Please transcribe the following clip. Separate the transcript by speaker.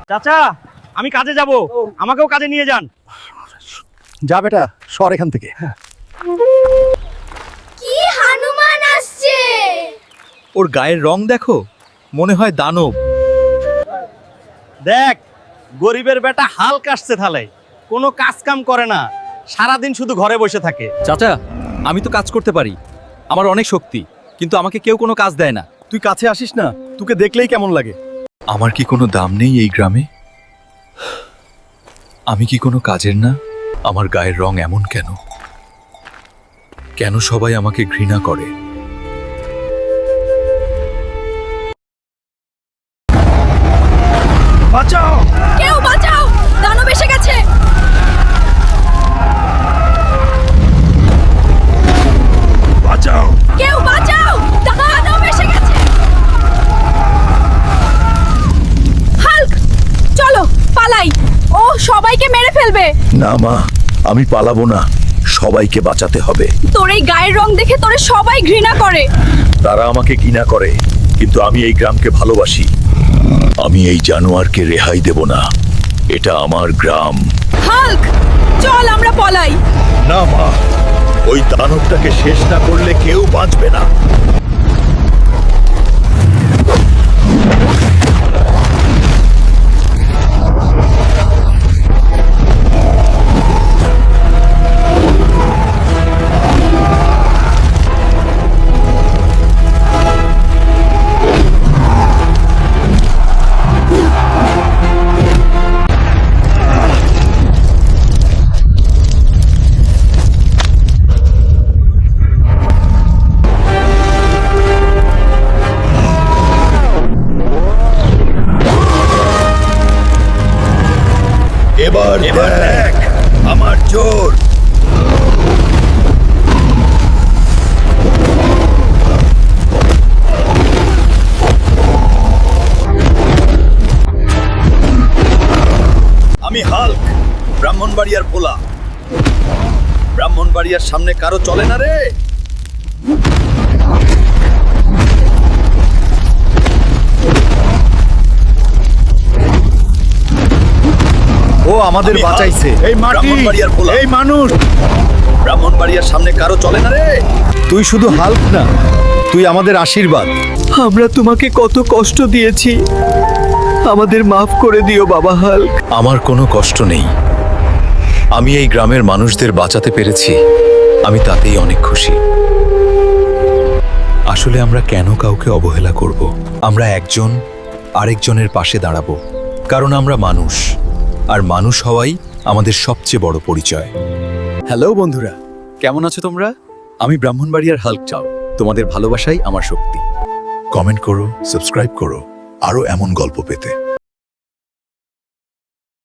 Speaker 1: চাচা আমি কাজে যাব, আমাকেও কাজে নিয়ে যান।
Speaker 2: যা বেটা, সর এখান থেকে।
Speaker 3: কি হনুমান আসছে?
Speaker 4: ওর গায়ের রং দেখো, মনে হয় দানব।
Speaker 1: দেখ গরিবের বেটা হাল কাটছে থালে, কোনো কাজ কাম করে না, সারাদিন শুধু ঘরে বসে থাকে।
Speaker 4: চাচা আমি তো কাজ করতে পারি, আমার অনেক শক্তি, কিন্তু আমাকে কেউ কোনো কাজ দেয় না।
Speaker 2: তুই কাছে আসিস না, তোকে দেখলেই কেমন লাগে।
Speaker 4: আমার কি কোনো দাম নেই এই গ্রামে? আমি কি কোনো কাজের না? আমার গায়ের রং এমন কেন? কেন সবাই আমাকে ঘৃণা করে?
Speaker 2: বাঁচাও!
Speaker 3: কেউ বাঁচাও, দানব এসে গেছে।
Speaker 2: বাঁচাও!
Speaker 3: কেউ বাঁচাও, দানব এসে গেছে। হাল্ক চলো পালাই, ও সবাইকে মেরে ফেলবে।
Speaker 5: না মা, আমি পালাবো না, সবাইকে বাঁচাতে হবে।
Speaker 3: তোর এই গায়ের রং দেখে তোরে সবাই ঘৃণা করে।
Speaker 5: তারা আমাকে ঘৃণা করে, কিন্তু আমি এই গ্রামকে ভালোবাসি। আমি এই জানোয়ারকে রেহাই দেব না, এটা আমার গ্রাম।
Speaker 3: হাল্ক চল আমরা পলাই।
Speaker 5: না মা, ওই দানবটাকে শেষ না করলে কেউ বাঁচবে না। এবার দেখ আমার জোর। আমি হাল্ক, ব্রাহ্মণবাড়িয়ার পোলা। ব্রাহ্মণবাড়িয়ার সামনে কারো চলে না রে।
Speaker 2: ও আমাদের
Speaker 5: আমি
Speaker 2: বাঁচাইছে।
Speaker 5: হাল্ক,
Speaker 2: এই মাটি,
Speaker 5: ব্রাহ্মণবাড়িয়ার পোলা।
Speaker 2: এই মানুষ।
Speaker 5: ব্রাহ্মণবাড়িয়ার সামনে কারো চলে না রে।
Speaker 2: তুই শুধু হাল্ক না, তুই আমাদের আশীর্বাদ।
Speaker 4: আমরা তোমাকে কত কষ্ট দিয়েছি, আমাদের মাফ করে দিও বাবা হাল্ক।
Speaker 5: আমার কোনো কষ্ট নেই, আমি এই গ্রামের মানুষদের বাঁচাতে পেরেছি, আমি তাতেই অনেক খুশি।
Speaker 4: আসলে আমরা কেন কাউকে অবহেলা করব? আমরা একজন আরেকজনের পাশে দাঁড়াবো, কারণ আমরা মানুষ, আর মানুষ হওয়াই আমাদের সবচেয়ে বড় পরিচয়। হ্যালো বন্ধুরা, কেমন আছো তোমরা? আমি ব্রাহ্মণবাড়িয়ার হাল্ক চাও, তোমাদের ভালোবাসাই আমার শক্তি।
Speaker 5: কমেন্ট করো, সাবস্ক্রাইব করো আরো এমন গল্প পেতে।